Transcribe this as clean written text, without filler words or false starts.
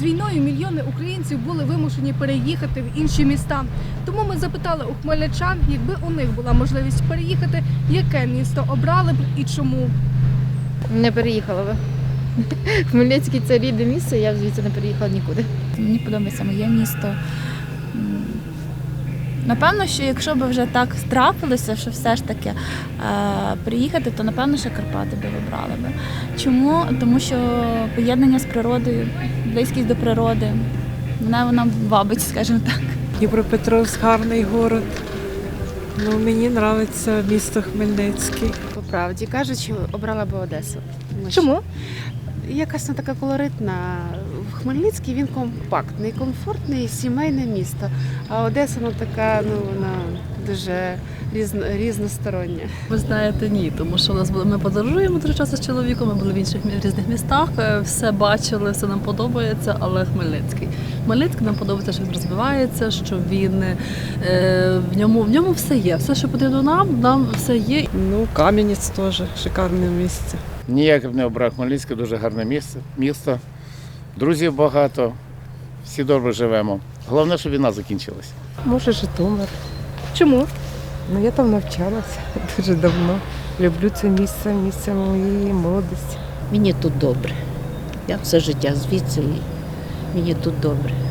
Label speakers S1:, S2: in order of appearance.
S1: З війною мільйони українців були вимушені переїхати в інші міста. Тому ми запитали у хмельничан, якби у них була можливість переїхати, яке місто обрали б і чому.
S2: Не переїхала би. Хмельницький – це рідне місце, я звідси не переїхала нікуди.
S3: Мені подобається моє місто. Напевно, що якщо б вже так трапилося, що все ж таки приїхати, то напевно, що Карпати би вибрали би. Чому? Тому що поєднання з природою, близькість до природи, вона вабить, скажімо так.
S4: Дніпропетровськ гарний город. Ну, мені подобається місто Хмельницький.
S5: По правді кажучи, обрала би Одесу. Тому що
S1: Чому?
S5: якась вона така колоритна. Хмельницький він компактний, комфортний, сімейне місто. А Одеса вона така, вона дуже різностороння.
S6: Ви знаєте, ні, тому що у нас ми подорожуємо дуже часто з чоловіком, ми були в інших різних містах, все бачили, все нам подобається, але Хмельницький нам подобається, що він розвивається, що він в ньому все є. Все, що потрібно нам все є.
S4: Ну, Кам'янець теж шикарне місце.
S7: Ніяк б не обрав Хмельницьке, дуже гарне місто. Друзів багато, всі добре живемо. Головне, щоб війна закінчилася.
S8: Може, Житомир.
S1: Чому?
S8: Ну, я там навчалася дуже давно. Люблю це місце моєї молодості.
S9: Мені тут добре. Я все життя звідси і мені тут добре.